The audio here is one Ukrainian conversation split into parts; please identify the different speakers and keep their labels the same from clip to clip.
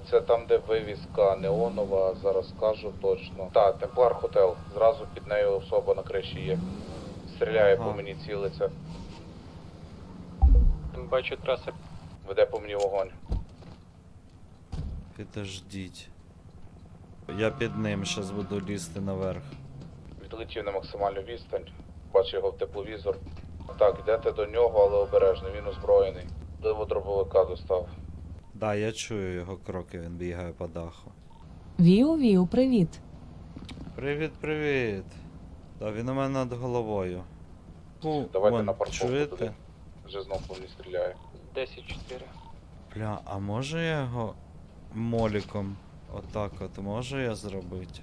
Speaker 1: Це там, де вивіска неонова, зараз скажу точно. Так, Темплар Хотел. Зразу під нею особа на криші є. Стріляє по мені, цілиться.
Speaker 2: Бачу траси.
Speaker 1: Веде по мені вогонь.
Speaker 3: Підождіть. Я під ним щас буду лізти наверх.
Speaker 1: Відлетів на максимальну відстань. Бачу його в тепловізор. Так, йдете до нього, але обережно, він озброєний. Диво дробовика достав.
Speaker 3: Да, я чую його кроки, він бігає по даху.
Speaker 4: Віу, привіт.
Speaker 3: Привіт, привіт. Да, він у мене над головою.
Speaker 1: Давайте
Speaker 3: Вон,
Speaker 1: на парковку
Speaker 3: чуєте?
Speaker 1: туди. Вже знов по мені стріляє.
Speaker 2: 10-4.
Speaker 3: Бля, а може я його моліком отак от можу я зробити?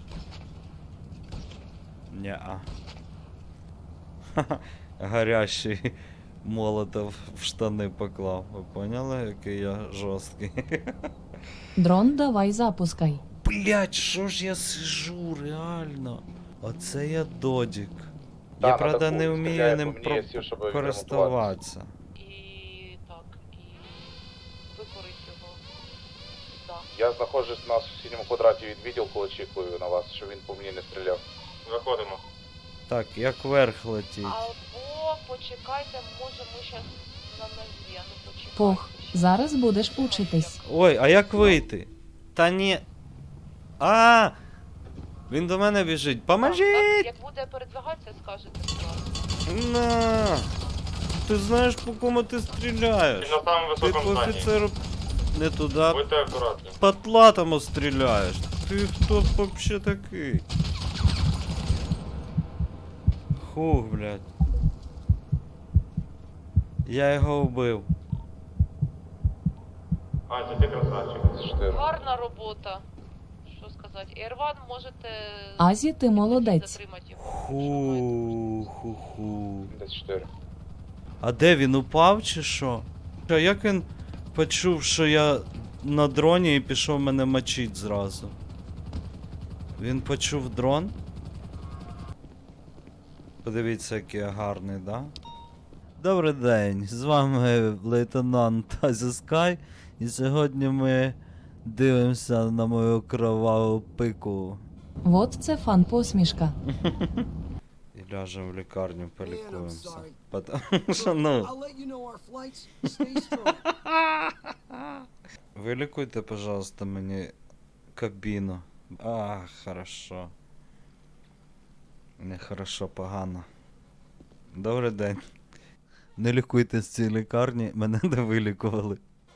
Speaker 3: Неа. Ха-ха, гарячий молотов в штани поклав. Ви поняли, який я жорсткий?
Speaker 4: Дрон, давай запускай.
Speaker 3: Блять, що ж я сижу, реально? Оце я додік.
Speaker 1: Да,
Speaker 3: Я,
Speaker 1: на
Speaker 3: правда,
Speaker 1: таку
Speaker 3: не
Speaker 1: він
Speaker 3: вмію
Speaker 1: стріляє
Speaker 3: ним
Speaker 1: по мені, я сів, щоб
Speaker 3: користуватися.
Speaker 5: І так, і викорить його. Да.
Speaker 1: Я знаходжусь на сусідньому квадраті від відділку, очікую на вас, щоб він по мені не стріляв.
Speaker 2: Виходимо.
Speaker 3: Так, як вверх летіть.
Speaker 5: Або почекайте, може ми щас на нозі, а ну почекайте.
Speaker 4: Пох, зараз будеш учитись.
Speaker 3: Ой, а як вийти? Та ні. А! Він до мене біжить.
Speaker 5: Так,
Speaker 3: Поможіть!
Speaker 5: як буде передвигатися, скажете сразу.
Speaker 3: На! Ти знаєш, по кому ти стріляєш?
Speaker 2: Він на самому
Speaker 3: Ти
Speaker 2: високому
Speaker 3: по
Speaker 2: зданні.
Speaker 3: офіцеру не туди,
Speaker 2: Будьте акуратні.
Speaker 3: по стріляєш. Ти хто вообще такий? Хух, блядь. Я його вбив.
Speaker 2: А, це ти красавчик.
Speaker 1: 4.
Speaker 5: Гарна робота. Що сказати? Ерван можете...
Speaker 4: Азі, ти молодець.
Speaker 5: Затримати його.
Speaker 3: Ху-ху-ху.
Speaker 1: Десь 4.
Speaker 3: А де він упав чи що? А як він почув, що я на дроні і пішов мене мочить зразу? Він почув дрон? Подивіться, який я гарний, да? Добрий день, з вами лейтенант Азі Скай, і сьогодні ми дивимося на мою кроваву пику.
Speaker 4: Вот це фан посмішка.
Speaker 3: І ляжемо в лікарню, полікуємося.
Speaker 6: sorry.
Speaker 3: Потому що, ну...
Speaker 6: I'll let you know our flights. Stay strong.
Speaker 3: Вилікуйте, пожалуйста, мені кабіну. А, хорошо. Не хорошо, погано. Добрий день. Не лікуйте з цієї лікарні, мене не вилікували.